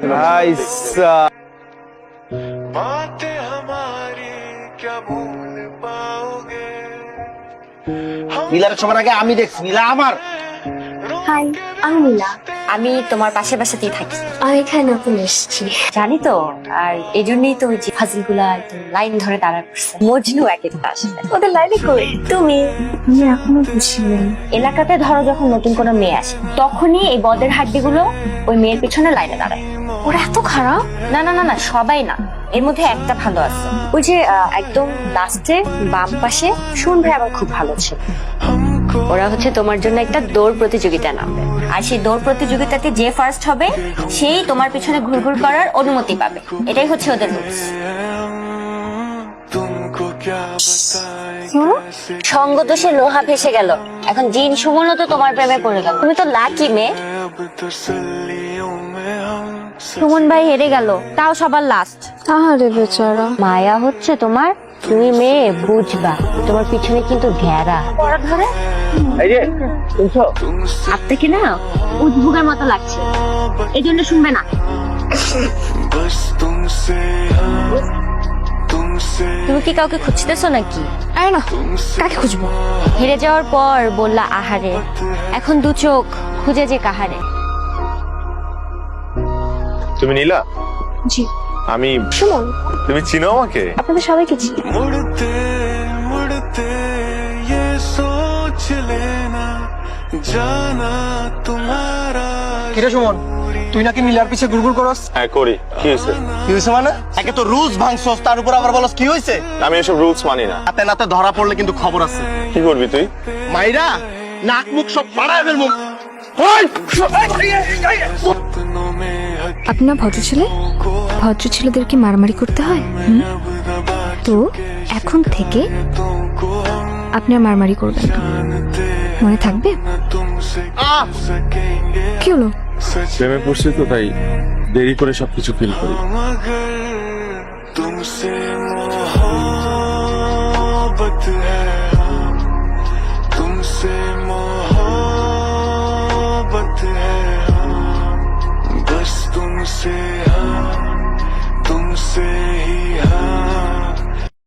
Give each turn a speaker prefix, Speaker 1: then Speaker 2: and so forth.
Speaker 1: बातें हमारी क्या भूल पाओगे।
Speaker 2: নীলার সবার আগে আমি দেখছি, নীলা আমার।
Speaker 3: হাই, আমি নীলা।
Speaker 4: আমি তোমার পাশে বাসাতেই থাকি।
Speaker 3: আমি এখানে নতুন এসেছি।
Speaker 4: জানি তো, আর এই জন্যই তো ওই যে ফাজিল গুলা লাইন ধরে দাঁড়া করছে। মজনু এক একটা আসলে।
Speaker 3: ওদের লাইনে কই তুমি এখনো বুঝিনি।
Speaker 4: এলাকাতে ধরো যখন নতুন কোনো মেয়ে আসে, তখনই এই বদের হাড্ডিগুলো ওই মেয়ের পিছনে লাইনে দাঁড়ায়।
Speaker 3: ওরা এত খারাপ?
Speaker 4: না না না না, সবাই না, এর মধ্যে একটা ভালো আছে। ওই যে একদম লাস্টে বাম পাশে শুন ভাই আমার খুব ভালো ছিল। ওরা হচ্ছে তোমার জন্য একটা দৌড় প্রতিযোগিতা নামবে, আর সেই দৌড় প্রতিযোগিতাতে যে ফার্স্ট হবে সেই তোমার পিছনে ঘুরঘুর করার অনুমতি পাবে। এটাই হচ্ছে ওদের রুলস। সঙ্গ দোষে লোহা ভেসে গেল, এখন জিন সুমনও তো তোমার প্রেমে পড়ে গেল। তুমি তো লাকি মেয়ে। সুমন ভাই হেরে গেল, তাও সবার লাস্ট।
Speaker 3: আরে বেচারা।
Speaker 4: মায়া হচ্ছে তোমার, তুমি মেয়ে বুঝবা, তোমার পিছনে কিন্তু ঘেরা পড়া ধরে।
Speaker 2: এই যে শুনছো,
Speaker 4: আপনাকে না উদ্ভুগের মতো লাগছে, এই জন্য শুনবে না। তুমি কি কাউকে খুঁজতেছো নাকি?
Speaker 3: আরে না, কাকে খুঁজবো?
Speaker 4: হেরে যাওয়ার পর বললা আহারে, এখন দু চোখ খুঁজে যে কাহারে।
Speaker 5: তুমি নীলা?
Speaker 3: জি।
Speaker 5: আমি
Speaker 3: সুমন।
Speaker 5: তুমি চিনো আমাকে?
Speaker 3: আপনাদের সবাইকে চিনি।
Speaker 1: मुड़ते मुड़ते ये सोच लेना जाना तुम्हारा।
Speaker 2: কিরে সুমন, তুই নাকি নীলার পিছে গুড়গুড় করস?
Speaker 5: হ্যাঁ করি। কি হয়েছে?
Speaker 2: কি হয়েছে মানে? একে তো রুলস ভাঙছস, তার উপর আবার বলস কি হয়েছে?
Speaker 5: আমি এসব রুলস মানি না।
Speaker 2: হাতে নাতে ধরা পড়লে কিন্তু খবর আছে।
Speaker 5: কি করবি তুই?
Speaker 2: মাইরা নাক মুখ সব ফাড়ায় ফেলবো।
Speaker 3: আপনার ভদ্র ছেলে, ভদ্র ছেলেদেরকে মারামারি করতে হয়। তো এখন থেকে আপনি আর মারামারি করবেন না, মনে থাকবে? কি হলো?
Speaker 5: প্রেমে পড়ছি তো, তাই দেরি করে সবকিছু ফিল করি।
Speaker 1: मगर तुमसे मोहब्बत है।